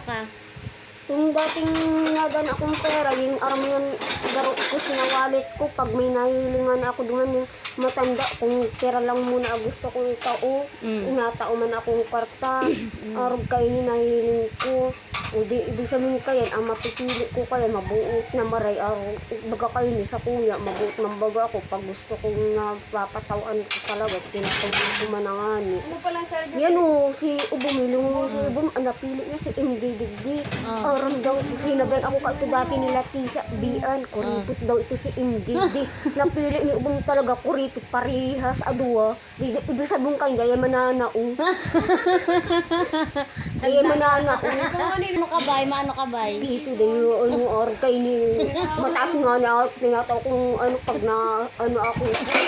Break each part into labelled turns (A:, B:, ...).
A: ka?
B: Yung dating nagan akong pera, yung aram yan, garo ko sinawalit ko, pag may nahilingan ako duman yung matanda, kung pera lang muna gusto kong tao, inatao man akong kwarta, arog kayo ni nahiling ko, o di, ibig sabihin kayo, ang mapipili ko kaya, mabuot na maray, arog, baga kayo ni sa kuya, mabuot ng baga ako, pag gusto kong napapatawan ko talaga, tinatawin ko manangani.
C: Ano palang sir?
B: Yan o, si Ubumilong, si Ubum, ang napili niya si MD Digdi. Aram daw, sinabihan ako ka ito dati nila Tisa, Bian, kuripot daw ito si MD. Di, napili ni Ubum talaga, kuripot parihas, adua. Di, ibig sabihin kayo, gaya mananao. Gaya mananao.
A: Ano ka bay? Maano ka bay?
B: Piso daw yung ano, or kayo ni, mataas nga na, tinataw kung ano, pag na, ano ako.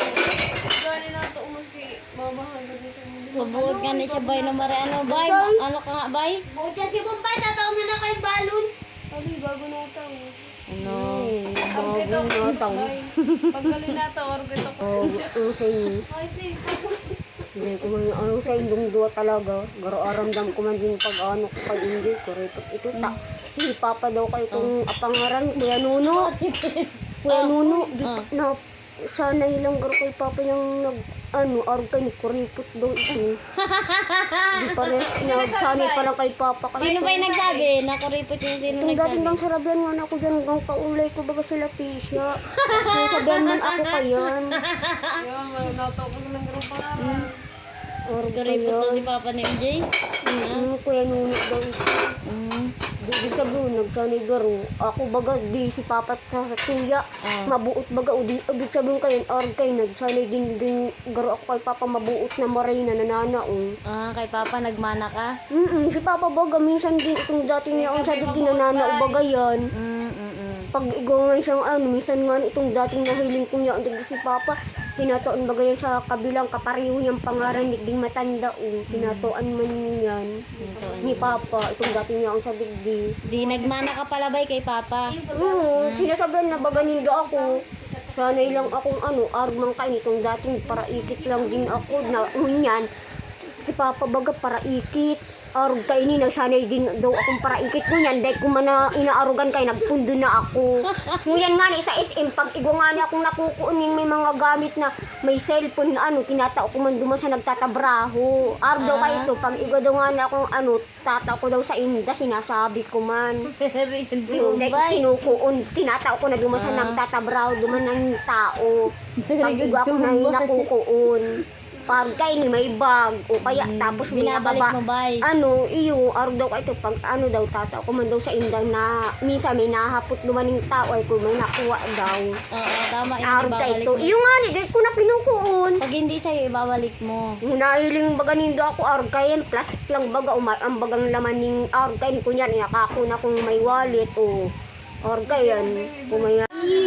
C: Gani na ito umaski. Mabahal ka din sa mga.
A: Mabuot ka na siya bay na mare. Ano bay? Ano ka nga bay?
C: Buot yan si Bombay. Tatawag na kayo balon. Ali, bago na ito.
A: Ano?
C: Ang kito ko.
B: Natang.
C: Paggali na ito, or kito ko.
B: Oh, ano sa inyo?
C: Ay, di.
B: Hindi ko man, ano sa inyong dua talaga. Garo aramdam ko man din pag ano ko kay hindi ko repot ito ta. Si Papa daw kay itong apangaran, Kuya Nuno. Kuya Nuno, di pa na sana ilang garo kay Papa yung nag ano, arog kay ni kuripot daw ito. Di pa rin, sana pa lang kay Papa.
A: Sino ba yung nagsabi? Nakuripot yung sino
B: Itong dating
A: nagsabi?
B: bang sarabihan nga na ako dyan hanggang kaulay ko baga sila Tisha. Sabihan man ako kayan.
C: Yan, natawag ng ganun pangalan.
B: Arog
A: Kuripot
B: kayo.
A: na si Papa ni MJ?
B: Kuya Nuno daw ito. Di sabihin, nagsanay garo. Ako baga, di si Papa sa kuya. Mabuot baga, o di, ibig sabihin kayo, arg kayo, nagsanay din garo ako kay Papa, mabuot na maray na nananaong.
A: Kay Papa nagmana ka?
B: Si Papa baga, minsan din itong dati niya ang sabi din nananaong baga yan. Pag igawa siyang ano, minsan nga itong dating nahiling ko niya, ang si Papa, tinatoan baga yan sa kabilang kapariho niyang pangaran, ding matanda o, tinatoan man niyan. Ni Papa, itong dating niya ang sa digdi.
A: Di nagmana ka pala bay kay Papa?
B: Oo, sinasabihan na baga nindo ako. Sanay lang akong ano, armang kain itong dating para ikit lang din ako na unyan. Si Papa baga para ikit. Arog kayo ni, nagsanay din daw akong para ikit ko yan. Dahil kung man inaarugan kayo, nagpundo na ako. Nguyan nga ni sa SM, pag igwa nga ni akong nakukuunin may mga gamit na may cellphone na ano, tinatao ko man duman sa nagtatabraho. Arog daw kayo ito, pag igwa daw nga ni akong ano, tatao ko daw sa inda, sinasabi ko man.
A: Very good
B: Dahil kinukuun, tinatao ko na duman sa nagtatabraho, duman ng tao. Pag igwa ako na nakukuun. Pag kayo ni may bag, o kaya tapos may
A: binabalik
B: nababa.
A: mo bay?
B: Ano, iyo, arog daw ka ito, pag ano daw, tata, man daw sa indang na, minsan may nahapot dumaning tao, ay kung may nakuha daw.
A: Oo, tama yun,
B: Arog ka
A: ibabalik
B: ito.
A: mo.
B: Iyo nga ni, dahil ko na kinukuon.
A: Pag hindi sa'yo, ibabalik mo.
B: Nahiling baga nindo ako, arog kayan, plastic lang baga, ang bagang laman ng arog kayan, kunyan, inakako na kung may wallet, o, arog kayan, kung may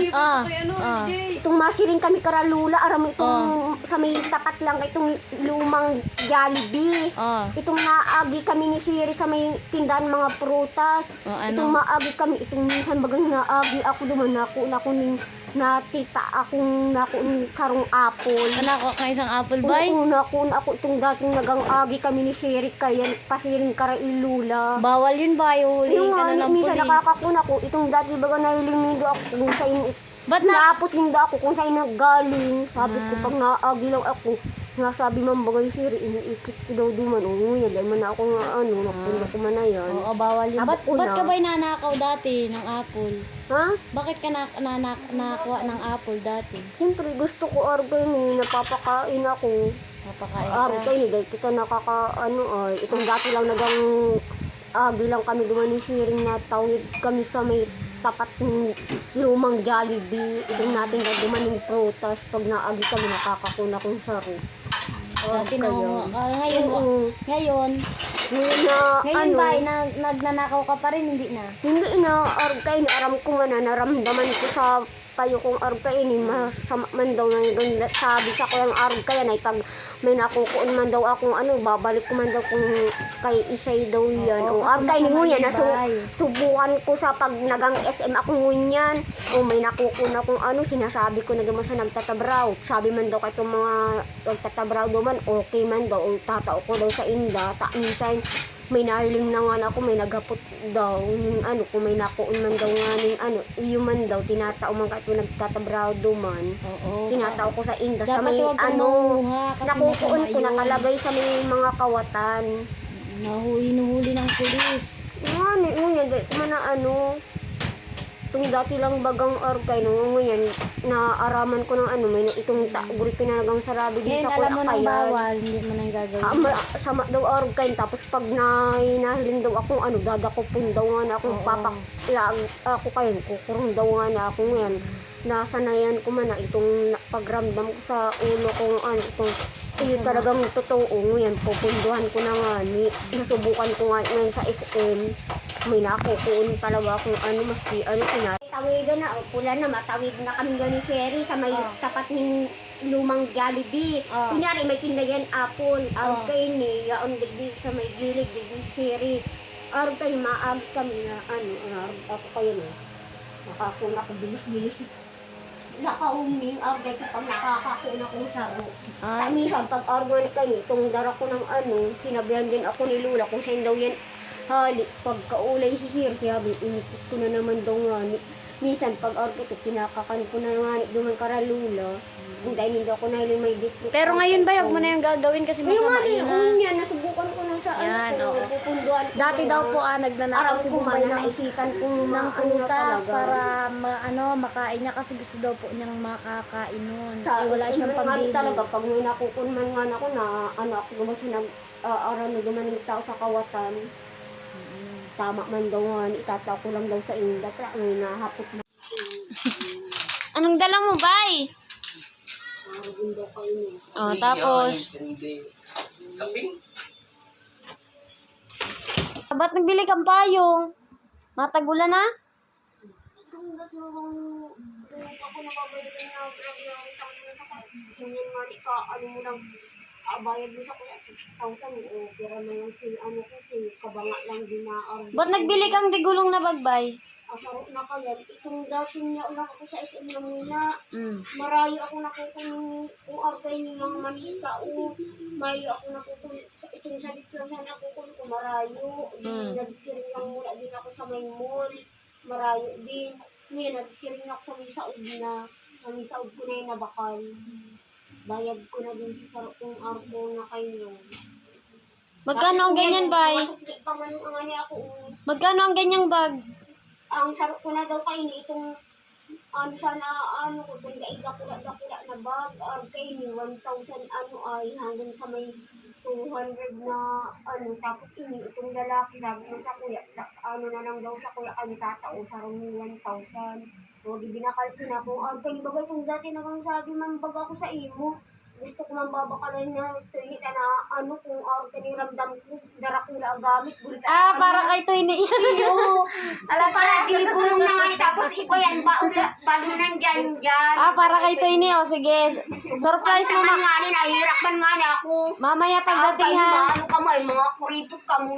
B: itong masiring kami karalula, aram itong sa may tapat lang itong lumang Jollibee. Itong naagi kami ni Siri sa may tindahan mga prutas. Itong maagi kami, itong minsan bagang naagi ako duman ako ning natita akong sarong apple.
A: Anak ko ka isang apple bay?
B: Oo, ako itong dating nagang agi kami ni Siri kaya pasiring karailula.
A: Bawal yun bay, huli
B: Yung
A: ka na
B: nga,
A: ng
B: minsan
A: pulis.
B: nakakakuna ko, itong dati baga nahiling nindo ako kung saan
A: Ba't na?
B: naapot nindo ako kung saan naggaling. Sabi ko pag naagi lang ako, nasabi man bagay Siri, iniikit ko daw duman. Oo nga, dahil man ako nga ano, napunta ko man na yan.
A: Oo, bawal yun.
B: Abot ko
A: Ba't
B: na.
A: ka ba'y nanakaw dati ng apple?
B: Ha?
A: Bakit ka nakakuha ng apple dati?
B: Siyempre gusto ko argay ni, napapakain ako.
A: Mapakain
B: Argay ni, dahil kita ay, itong dati lang nagang agi lang kami duman ni Siri na tawid kami sa may tapat ng lumang Jollibee. Itong natin na dumaning prutas. Pag naagi kami, nakakakuna kong saro.
A: Dati na,
B: Kaya.
A: ngayon,
B: Oo.
A: ngayon
B: Ngayon na,
A: ba, nagnanakaw ka pa rin, hindi na?
B: hindi na, argay ni, aram ko nga na, naramdaman ko sa payo kong argay ni, masama man daw na yung sabi sa ko yung argay na, pag may nakukuon man daw akong ano, babalik ko man daw kung kay isay daw yan. O argay ni nguyan, subukan ko sa pag nagang SM ako ngunyan. O may nakukuon akong ano, sinasabi ko na duman sa nagtatabraw. Sabi man daw kay itong mga nagtatabraw daw man, okay man daw, o tatao ko daw sa inda, minsan may nahiling na nga ako, may naghapot daw, yung ano, kung may nakuon man daw nga ng ano, iyo man daw, tinatao man kahit mo nagtatabraw man.
A: Oo.
B: Tinatao ko sa inda, sa
A: Dapat
B: may
A: huwag kang
B: ano,
A: manguha kasi
B: nakukuon
A: masama
B: ko,
A: yun.
B: nakalagay sa may mga kawatan.
A: Hinuhuli ng pulis.
B: Ano, ngunyan, dahil ko man na ano, itong dati lang bagang arkay, no, ngunyan, naaraman ko ng ano, may itong gulpi na nagang sarabi din
A: Ngayon
B: sa
A: alam mo
B: kuya
A: nang
B: kayan.
A: bawal, hindi mo nang gagawin.
B: Sama daw arkay, tapos pag nahiling daw akong ano, dadakopon daw nga na akong
A: Oo.
B: papaklag ako kayo, kukurong daw nga na ako ngayon. Nasanayan ko man na itong pagramdam ko sa ulo kong ano, itong iyo talagang totoo ngayon, pupunduhan ko na nga ni, nasubukan ko nga ngayon sa SM, may nakukuon talaga akong ano, maski ano, tawigan na, pula na, matawid na kami gani Sherry sa may tapat ng lumang Jollibee. Kunyari, may tindayan apple, arog kayo ni, yaon digdi sa may gilid, digdi Sherry. Arog kayo, maag kami na, ano, arog ako kayo na, nakakuna ko, bilis-bilis. Nakauming, arog kayo pag nakakakuna kong saro. Minsan, pag organic kayo, itong dara ko ng ano, sinabihan din ako ni Lula kung saan daw yan hali, pagkaulay sisir, sabi, inikit ko na naman daw nga ni. Minsan, pag organic, pinakakan ko na nga ni, duman karalula. Dahil hindi ako nahiling may dikit.
A: Pero ngayon ba, huwag mo na yung gagawin kasi masama yun ha.
B: Yan, nasubukan ko na sa
A: Yan,
B: ano ko,
A: oo.
B: pupunduan ko.
A: Dati daw po nagnanakaw
B: Araw
A: si
B: ko
A: Bombay
B: man,
A: ng
B: naisipan ko
A: ng
B: ano na
A: prutas
B: talaga.
A: para makain niya kasi gusto daw po niyang makakain nun.
B: Sa
A: Wala siyang pambili.
B: talaga, pag may nakukunman nga ako na ano ako gumawa araw na gumaning tao sa kawatan. Tama man daw nga, itataw ko lang daw sa inda. Kaya may nahapot na.
A: Anong dala mo, Bay?
B: Araw daw kayo niya.
A: Oh, tapos, ba't nagbili kang payong? Matagulan na?
B: Kung gusto mong ako nababayad na grab na utang mo sa ganyan nga di ka, ano mo lang, bayad mo sa kuya 6,000 o pera na lang si ano kasi kabanga lang din na
A: Ba't nagbili kang digulong na bagbay?
B: asarot na kaya itong dating niya ulang ako sa SM na muna marayo ako nakukun kung argay ni mga manika o mayo ako nakukun itong salit lang na nakukun ko marayo nagsiring lang muna din ako sa may mall marayo din ngayon nagsiring ako sa may saud na sa may saud ko na yung nabakal bayad ko na din sa sarap kong arko na kayo.
A: Magkano ang ganyan, Bay? Magkano ang ganyang bag?
B: Ang sarap ko na daw kayo ni itong ano sana ano ko itong daig-dakula na bag kayo ni 1,000 ano ay hanggang sa may 200 na ano tapos ini itong lalaki sabi mo sa kuya ano na lang daw sa kuya kami tatao sarang 1,000 huwag ibinakal ko na kung kayo bagay kung dati naman sabi man baga ako sa imo gusto ko man babakalan na ito na ano kung ramdam ko darakula ang gamit
A: Para kay Toyne yan.
B: iyo ala para gulong na nga tapos iba yan balunan dyan
A: Para kay Toyne. O, sige. Surprise mo
B: man nga ni nahihirapan nga na ako
A: mamaya pagdating ha.
B: ano ka mo mga kuripot ka mo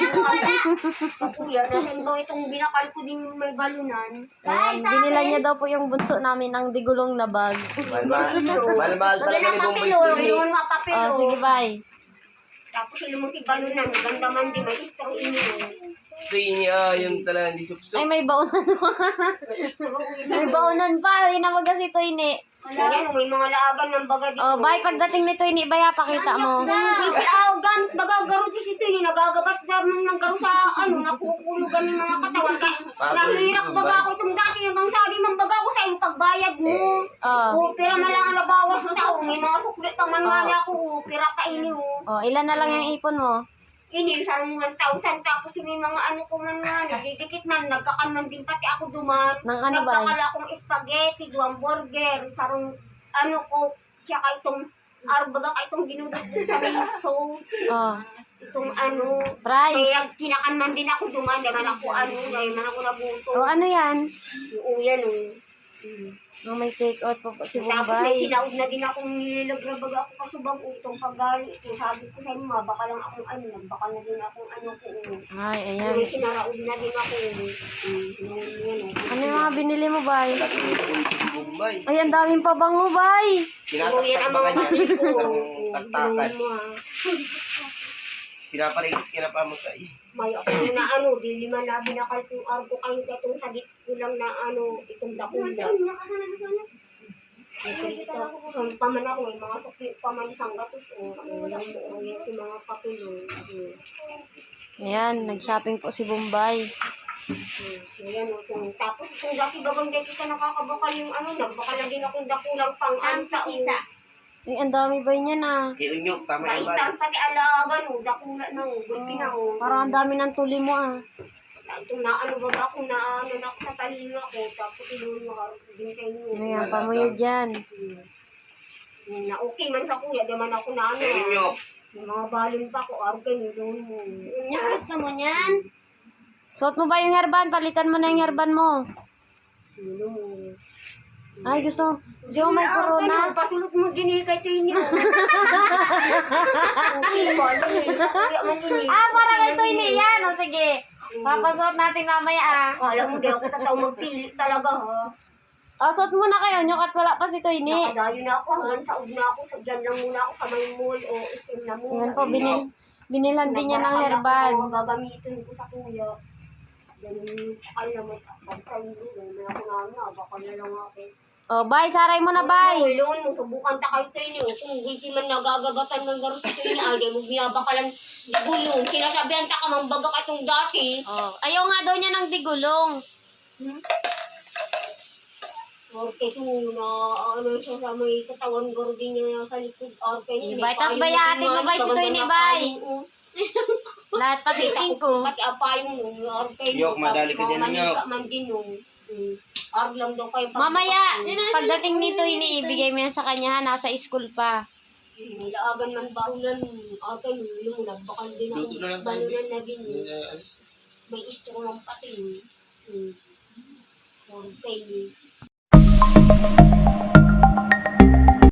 B: kuya nasan ba itong binakal ko din may balunan
A: Ayan, binila niya daw po yung bunso namin ng digulong na bag.
D: Mahal-mahal talaga ni Bombay Tini.
B: yun nga papel
A: Sige, Bay.
B: tapos sila mo si balunan ganda man di may istro inyo
D: Tini, yung talaga hindi
A: Ay,
D: supsop.
A: may baunan pa. May baunan pa. Rin na si Toyne.
B: yan may mga laagan ng baga dito
A: O, Bay, pagdating ni Toyne, Bay, pakita mo.
B: gamit magagaro si ito yun, nagagabat naman ng garo sa ano, nakukulugan ng mga katawan. Nahirap baga ako itong dati, hanggang sabi man baga ako sa iyong pagbayad mo. Pira na lang ang nabawas sa tao, may mga suklit ang manmali ako, pira ka ini mo.
A: O, ilan na lang yung ipon mo?
B: Ini, sarang 1,000, tapos may mga ano ko man nga, nagdidikit man, nagkakalman din pati ako duman.
A: Nang ano ba?
B: Nagkakala akong spaghetti, duwang burger, sarang ano ko, tsaka itong arbaga ka itong ginudot sa may sauce. Itong ano,
A: Price.
B: kaya kinakanman din ako duman, naman ako ano, ngayon man ako nabuto.
A: O, ano yan?
B: Oo, yan o.
A: O, may take out po po si
B: Tapos may
A: Bombay.
B: sinaud na din akong nililagrabag ako kasubang utong paggali. Sabi ko sa inyo, baka lang akong ano, baka na din akong ano ko.
A: Ay, ayan.
B: May sinaraud na din ako.
A: Ano yung mga binili mo, Bay?
D: Bombay.
A: Ay, ang daming pabango, Bay.
D: Tinataktak ba kanya? Ang taktakan. Pinaparigis ka na pamatay.
B: May ako na ano, di lima na binakal kong arko kayo katong sagit ko lang na ano, itong dakunda. Ito, so paman ako, may mga sukli paman isang gatos, o yan si mga papilong.
A: Ayan, nag-shopping po si Bombay.
B: So yan, so, tapos kung dati bagang dito ka nakakabakal yung ano, nagbakal na din akong dakulang pang anta.
A: Ay, ang dami ba niya na?
D: Kay Unyok, tama yung
B: Naistan pati alagan, dakula na, gulpi na.
A: Parang ang dami ng tuli mo ah.
B: Itong naano ba ako na ano na ako sa talino ko, tapos inuun din sa inyo.
A: Ayan, pamuyo dyan.
B: Na okay man sa kuya, di man ako na ano.
D: Kay Unyok.
B: Yung mga balon pa ko, arke nyo doon mo.
C: Yung gusto mo niyan?
A: Suot mo ba yung herban? Palitan mo na yung herban mo.
B: Sino mo.
A: Ay, gusto mo may corona?
B: Pasulot mo din kay sa inyo. Okay ba, din sa kuya man ini.
A: Ah, parang ito yan. O sige, papasuot natin mamaya ah.
B: Alam mo, di ako tataw magpili talaga ha.
A: O, suot muna kayo. Nyok at wala pa si Toyni.
B: Nakadayo na ako, hanggang saog na ako, dyan lang muna ako sa may mall o isim na muna.
A: Ayan po, binilan din niya ng herban.
B: Mga gagamitin ko sa kuya. Yan yung alam mo, pag sa inyo, yan ako na, baka na lang ako.
A: O, bye. Saray mo na, bye.
B: Loon mo, subukan ta kayo tayo niyo. Kung hindi man nagagabatan ng garos ito niya, ay, mo binabakalan digulong. Sinasabihan ta ka, mambaga ka itong dati.
A: O, ayaw nga daw niya ng digulong.
B: Orke ko na, ano siya sa may katawan garo din niya sa likod. Orke niya.
A: Ibay, tas bayatin mo, bay, si Toyni, bay. Lahat pati ko.
B: Pati apayong mo, orke
D: Yok, madali ka din, Yok.
B: man din nung. Arg lang daw kayo.
A: Mamaya, pagdating nito, iniibigay mo yan sa kanya, ha? Nasa school pa.
B: Nilaagan man baunan, orke yung nagbakal din ako.
D: Luto na lang tayo.
B: Balunan na din. May istro ng pati. Orke.